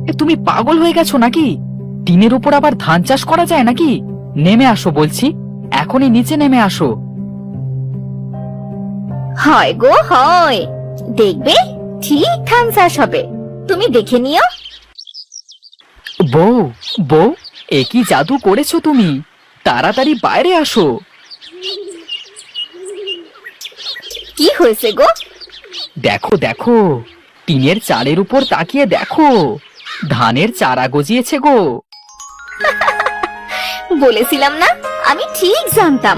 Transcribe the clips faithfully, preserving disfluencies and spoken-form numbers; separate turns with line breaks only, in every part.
এ, তুমি পাগল হয়ে গেছো নাকি? টিনের উপর আবার ধান চাষ করা যায় নাকি? নেমে আসো বলছি, এখনই নিচে নেমে আসো।
হয় গো হয়, দেখবে ঠিক ধান চাষ হবে, তুমি দেখে নিও।
বউ, বউ, এ কি জাদু করেছো তুমি? তাড়াতাড়ি বাইরে আসো।
কি হয়েছে গো?
দেখো দেখো, টিনের চালের উপর তাকিয়ে দেখো, ধানের চারা গজিয়েছে গো।
বলেছিলাম না, আমি ঠিক জানতাম।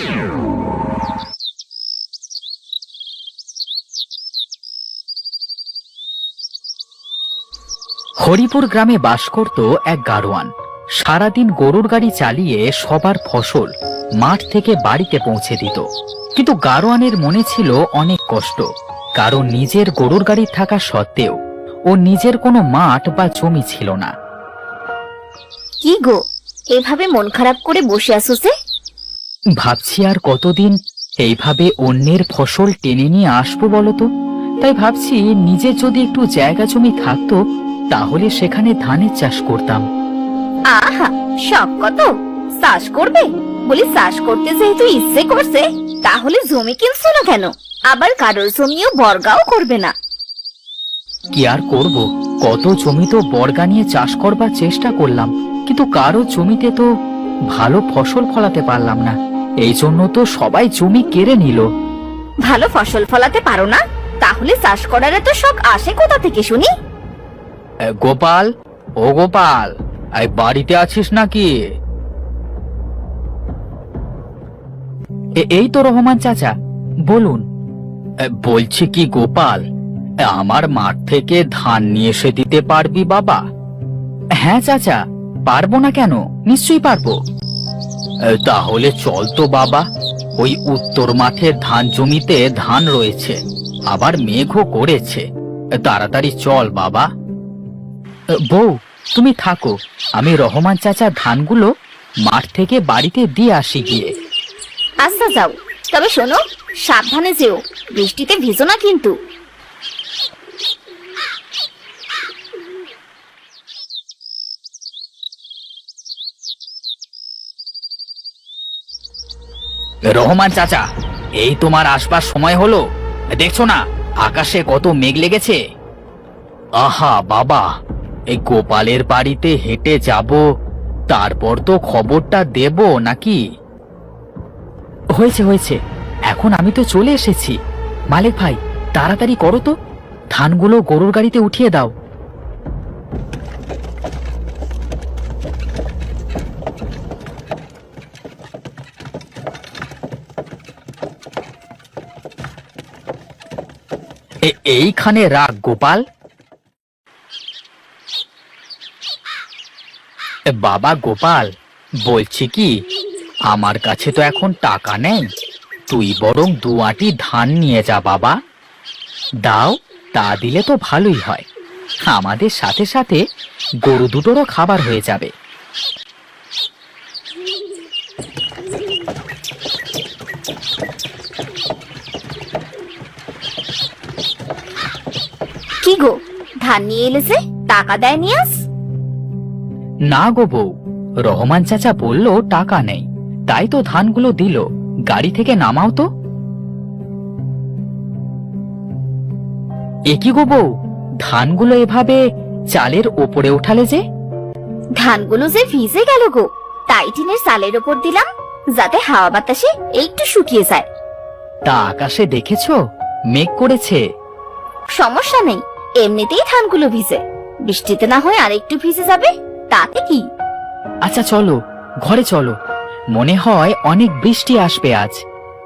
হরিপুর গ্রামে বাস করত এক গাড়োয়ান। সারাদিন গরুর গাড়ি চালিয়ে সবার ফসল মাঠ থেকে বাড়িতে পৌঁছে দিত। কিন্তু গাড়োয়ানের মনে ছিল অনেক কষ্ট, কারণ নিজের গরুর গাড়ি থাকা সত্ত্বেও ও নিজের কোনো মাঠ বা জমি ছিল না।
কি গো, এভাবে মন খারাপ করে বসে আছো যে?
ভাবছি আর কতদিন এইভাবে অন্যের ফসল টেনে নিয়ে আসবো বলতো। তাই ভাবছি নিজের যদি একটু জায়গা জমি থাকতো তাহলে সেখানে ধানের চাষ করতাম।
আহা, শখ কত! চাষ করবে বলি, চাষ করতে যেহেতু ইচ্ছে করছে, তাহলে জমি কিনছো না কেন? আবার কারোর জমিও বর্গাও করবে না।
কি আর করব, কত জমি তো বর্গা নিয়ে চাষ করবার চেষ্টা করলাম, কিন্তু কারো জমিতে তো ভালো ফসল ফলাতে পারলাম না। এই জন্য তো সবাই জমি কেড়ে নিল।
ভালো ফসল ফলাতে পারো না, তাহলে চাষ করার এত শখ আসে কোথা থেকে শুনি?
এ, গোপাল, ও গোপাল, এই বাড়িতে আছিস নাকি? এ- এই তো রহমান চাচা, বলুন। এ, বলছি কি গোপাল, এ, আমার মাঠ থেকে ধান নিয়ে এসে দিতে পারবি বাবা? হ্যাঁ চাচা, পারবো না কেন, নিশ্চয়ই পারবো। এ, তাহলে চল তো বাবা, ওই উত্তর মাঠের ধান জমিতে ধান রয়েছে, আবার মেঘও করেছে। এ, তাড়াতাড়ি চল বাবা। এ, বউ, তুমি থাকো, আমি রহমান চাচার ধানগুলো মাঠ থেকে বাড়িতে দিয়ে আসি গিয়ে।
আচ্ছা যাও, তবে শোনো, সাবধানে যেও, বৃষ্টিতে ভিজো না কিন্তু।
রহমান চাচা, এই তোমার আসবার সময় হলো, দেখছো না আকাশে কত মেঘ লেগেছে। আহা বাবা, এই গোপালের বাড়িতে হেঁটে যাব, তারপর তো খবরটা দেব নাকি? হয়েছে হয়েছে, এখন আমি তো চলে এসেছি। মালিক ভাই, তাড়াতাড়ি করো তো, ধানগুলো গরুর গাড়িতে উঠিয়ে দাও। এ- এইখানে রাখ গোপাল। এ, বাবা গোপাল, বলছি কি, আমার কাছে তো এখন টাকা নেই, তুই বরং দু আঁটি ধান নিয়ে যা বাবা। দাও, তা দিলে তো ভালোই হয়, আমাদের সাথে সাথে গরু দুটোরও খাবার হয়ে যাবে।
কি গো, ধান নিয়ে এলে যে, টাকা দেয়নি আজ?
না গো বউ, রহমান চাচা বলল টাকা নেই, তাই তো ধানগুলো দিল। গাড়ি থেকে নামাও তো। এ কি গো বউ, ধানগুলো এভাবে চালের ওপরে উঠালে যে?
ধানগুলো যে ভিজে গেল গো, তাই টিনের চালের ওপর দিলাম, যাতে হাওয়া বাতাসে একটু শুকিয়ে যায়।
তা আকাশে দেখেছো, মেঘ করেছে।
সমস্যা নেই, এমনিতেই ধানগুলো ভিজে, বৃষ্টিতে না হয় আরেকটু ভিজে যাবে, তাতে কি?
আচ্ছা চলো, ঘরে চলো, মনে হয় অনেক বৃষ্টি আসবে আজ।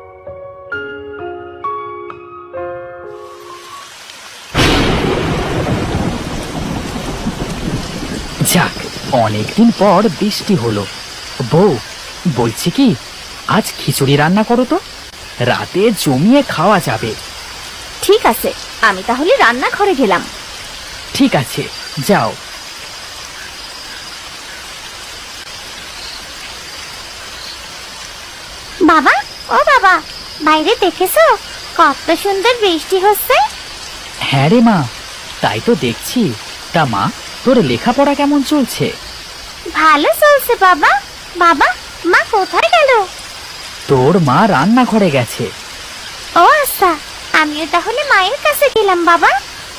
যাক, অনেকদিন পর বৃষ্টি হলো। বউ, বলছি কি, আজ খিচুড়ি রান্না করো তো, রাতে জমিয়ে খাওয়া যাবে।
ঠিক আছে, আমি তাহলে রান্নাঘরে গেলাম।
ঠিক আছে, যাও।
বাবা, ও বাবা, বাইরে দেখেছো কত সুন্দর বৃষ্টি হচ্ছে?
হ্যাঁ রে মা, তাই তো দেখছি। তা মা, তোর লেখাপড়া কেমন চলছে?
ভালো চলছে বাবা। বাবা, মা কোথায় গেল?
তোর মা রান্নাঘরে গেছে।
ও আচ্ছা, আমিও তাহলে মায়ের কাছে গেলাম বাবা।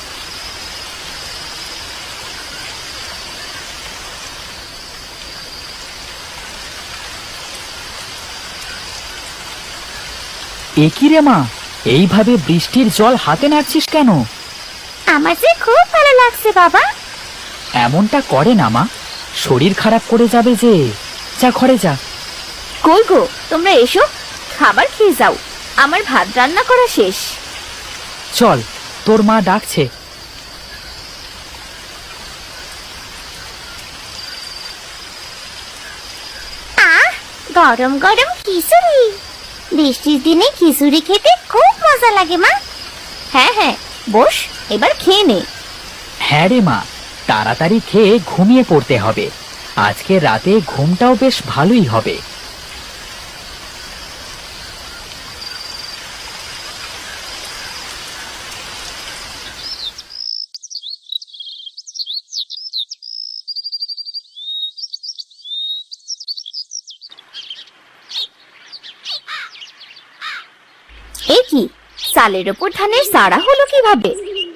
এ কি রে মা, এইভাবে বৃষ্টির জল হাতে নাড়ছিস কেন?
আমার যে খুব ভালো লাগছে বাবা।
এমনটা করে না মা, শরীর খারাপ করে যাবে যে। যা ঘরে যা।
কই গো, তোমরা এসো, খাবার খেয়ে যাও। আমার ভাত রান্না করা শেষ।
চল, তোর মা ডাকছে।
আহ, গরম গরম খিচুড়ি। বৃষ্টির দিনে খিচুড়ি খেতে খুব মজা লাগে মা। হ্যাঁ হ্যাঁ, বস, এবার খেয়ে নে।
হ্যাঁ রে মা, তাড়াতাড়ি খেয়ে ঘুমিয়ে পড়তে হবে। আজকে রাতে ঘুমটাও বেশ ভালোই হবে।
এ কি, চালের ওপর ধানের সারা হলো কিভাবে?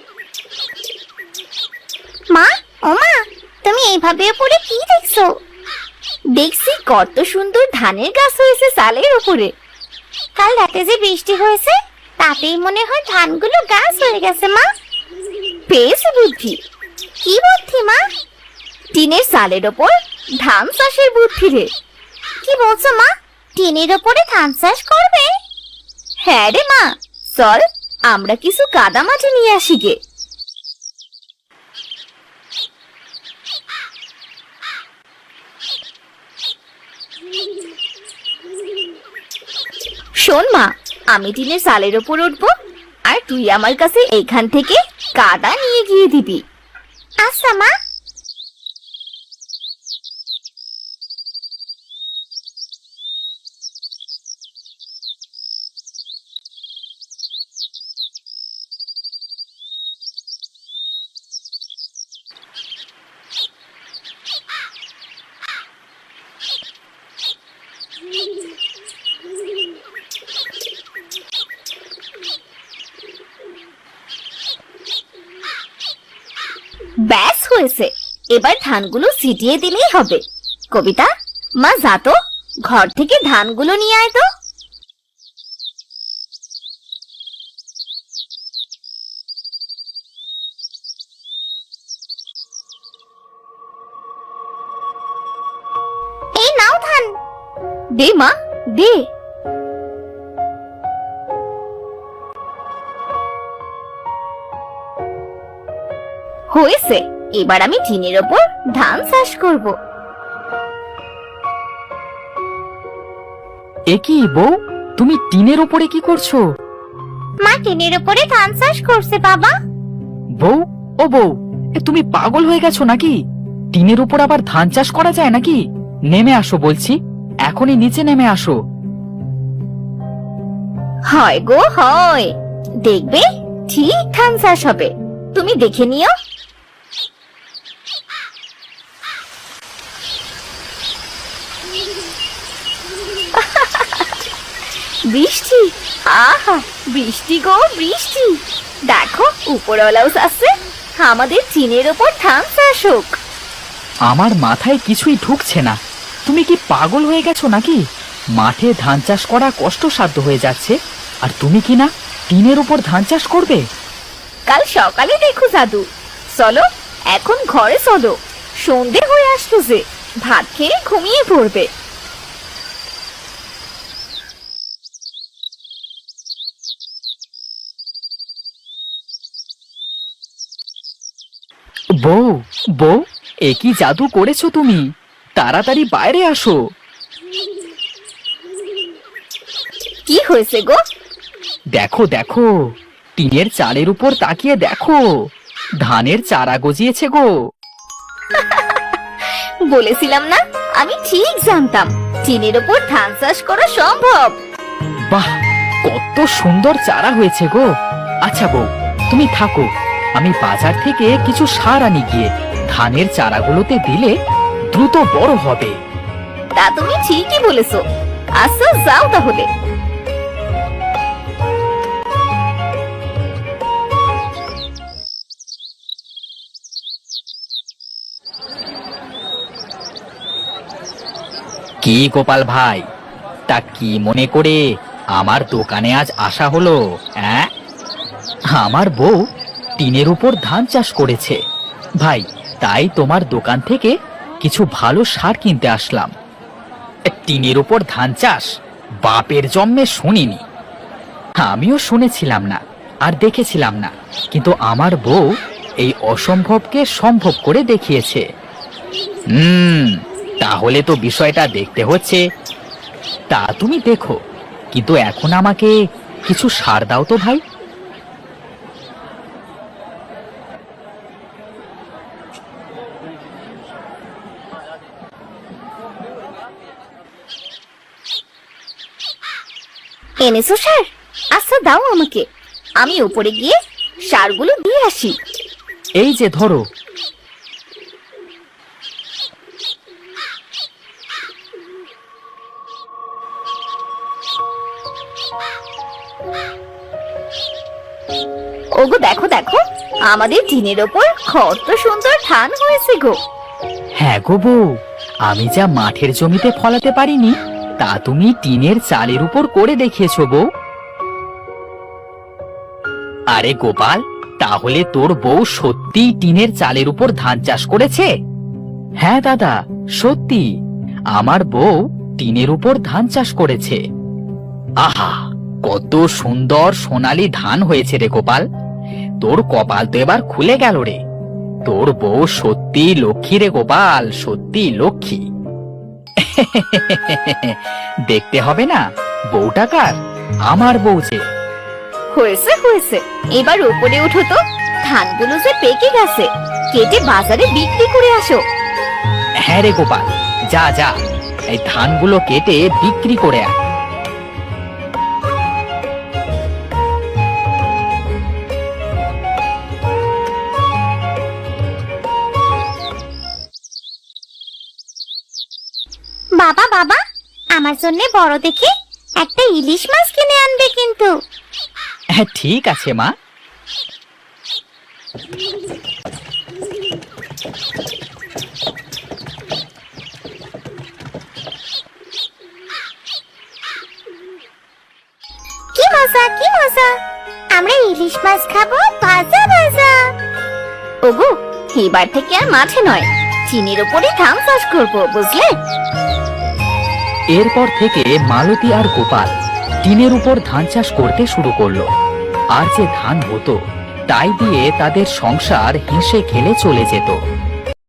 মা, ও মা, তুমি এইভাবে উপরে কি দেখছো? দেখছি কত সুন্দর ধানের গাছ হয়েছে চালের উপরে। কাল রাতে যে বৃষ্টি হয়েছে, তাতেই মনে হয় ধানগুলো গাছ হয়ে গেছে মা। পেয়েছি বুদ্ধি। কি বুদ্ধি মা? টিনের চালের ওপর ধান চাষের বুদ্ধি রে। কি বলছো মা, টিনের ওপরে ধান চাষ করবে? হ্যাঁ রে মা, চল আমরা কিছু কাদা মাটি নিয়ে আসি গে। শোন মা, আমি টিনের চালের ওপর উঠবো, আর তুই আমার কাছে এইখান থেকে কাদা নিয়ে গিয়ে দিবি। আচ্ছা মা। ব্যাস হয়েছে, এবার ধানগুলো ছিটিয়ে দিলেই হবে। কবিতা, মা যা তো, ঘর থেকে ধানগুলো নিয়ে আয় তো। এই নাও ধান। দে মা, দে। হয়েছে, এবার আমি টিনের ওপর ধান চাষ করব।
এ কি বউ, তুমি টিনের উপরে কি করছো?
মা টিনের উপরে ধান চাষ করছে বাবা।
বউ, ও বউ, এ তুমি পাগল হয়ে গেছো নাকি? টিনের উপর আবার ধান চাষ করা যায় নাকি? নেমে আসো বলছি, এখনই নিচে নেমে আসো।
হয় গো হয়, দেখবে ঠিক ধান চাষ হবে, তুমি দেখে নিও। বৃষ্টি, আহা বৃষ্টি গো বৃষ্টি। দেখো উপরওয়ালাও চাচ্ছে আমাদের টিনের ওপর ধান চাষ হোক।
আমার মাথায় কিছুই ঢুকছে না। তুমি কি পাগল হয়ে গেছো নাকি? মাঠে ধান চাষ করা কষ্টসাধ্য হয়ে যাচ্ছে, আর তুমি কি না টিনের উপর ধান চাষ করবে?
কাল সকালে দেখো জাদু। চলো এখন ঘরে চলো, সন্ধে হয়ে আসলো যে, ভাত খেয়ে ঘুমিয়ে পড়বে।
বউ, বউ, এ কি জাদু করেছো তুমি? তাড়াতাড়ি বাইরে আসো।
কি হয়েছে গো?
দেখো দেখো, টিনের চালের উপর তাকিয়ে দেখো, ধানের চারা গজিয়েছে গো।
বলেছিলাম না, আমি ঠিক জানতাম টিনের ওপর ধান চাষ করা সম্ভব।
বাহ, কত সুন্দর চারা হয়েছে গো। আচ্ছা বউ, তুমি থাকো, আমি বাজার থেকে কিছু সার আনি গিয়ে, ধানের চারাগুলোতে দিলে দ্রুত বড় হবে।
তা তুমি ঠিকই বলেছো। আচ্ছা যাও তাহলে।
কি গোপাল ভাই, তা কি মনে করে আমার দোকানে আজ আসা হলো? হ্যাঁ, আমার বউ টিনের উপর ধান চাষ করেছে ভাই, তাই তোমার দোকান থেকে কিছু ভালো সার কিনতে আসলাম। টিনের উপর ধান চাষ বাপের জন্মে শুনিনি। আমিও শুনেছিলাম না আর দেখেছিলাম না, কিন্তু আমার বউ এই অসম্ভবকে সম্ভব করে দেখিয়েছে। হুম, তাহলে তো বিষয়টা দেখতে হচ্ছে। তা তুমি দেখো, কিন্তু এখন আমাকে কিছু সার দাও তো ভাই।
এনেছো সার? আচ্ছা দাও আমাকে, আমি উপরে গিয়ে সারগুলো দিয়ে আসি।
এই যে ধরো।
ওগো দেখো দেখো, আমাদের টিনের ওপর কত সুন্দর ধান হয়েছে গো।
হ্যাঁ গো বউ, আমি যা মাঠের জমিতে ফলাতে পারিনি তা তুমি টিনের চালের উপর করে দেখিয়েছো বউ। আরে গোপাল, তাহলে তোর বউ সত্যি টিনের চালের উপর ধান চাষ করেছে? হ্যাঁ দাদা, সত্যি আমার বউ টিনের উপর ধান চাষ করেছে। আহা, কত সুন্দর সোনালী ধান হয়েছে রে গোপাল, তোর কপাল তো এবার খুলে গেল রে। তোর বউ সত্যি লক্ষ্মী রে গোপাল, সত্যি লক্ষ্মী। দেখতে হবে না বউটা কার? আমার বউ যে।
হয়েছে হয়েছে, এবার উপরে উঠো তো, ধানগুলো যে পেকে গেছে, কেটে বাজারে বিক্রি করে আসো।
হ্যাঁ রে গোপাল, যা যা, এই ধানগুলো কেটে বিক্রি করে আয়।
বাবা বাবা, আমার জন্য বড় দেখে একটা ইলিশ মাছ কিনে আনবে কিন্তু।
হ্যাঁ ঠিক আছে মা।
কি মজা কি মজা, আমরা ইলিশ মাছ খাবো ভাজা ভাজা। ওগো, এবার থেকে আর মাঠে নয়, চিনির উপরে ধান চাষ করবো, বুঝলে?
এরপর থেকে মালতী আর গোপাল টিনের উপর ধান চাষ করতে শুরু করলো। আর যে ধান হতো তাই দিয়ে তাদের সংসার হেসে খেলে চলে যেত।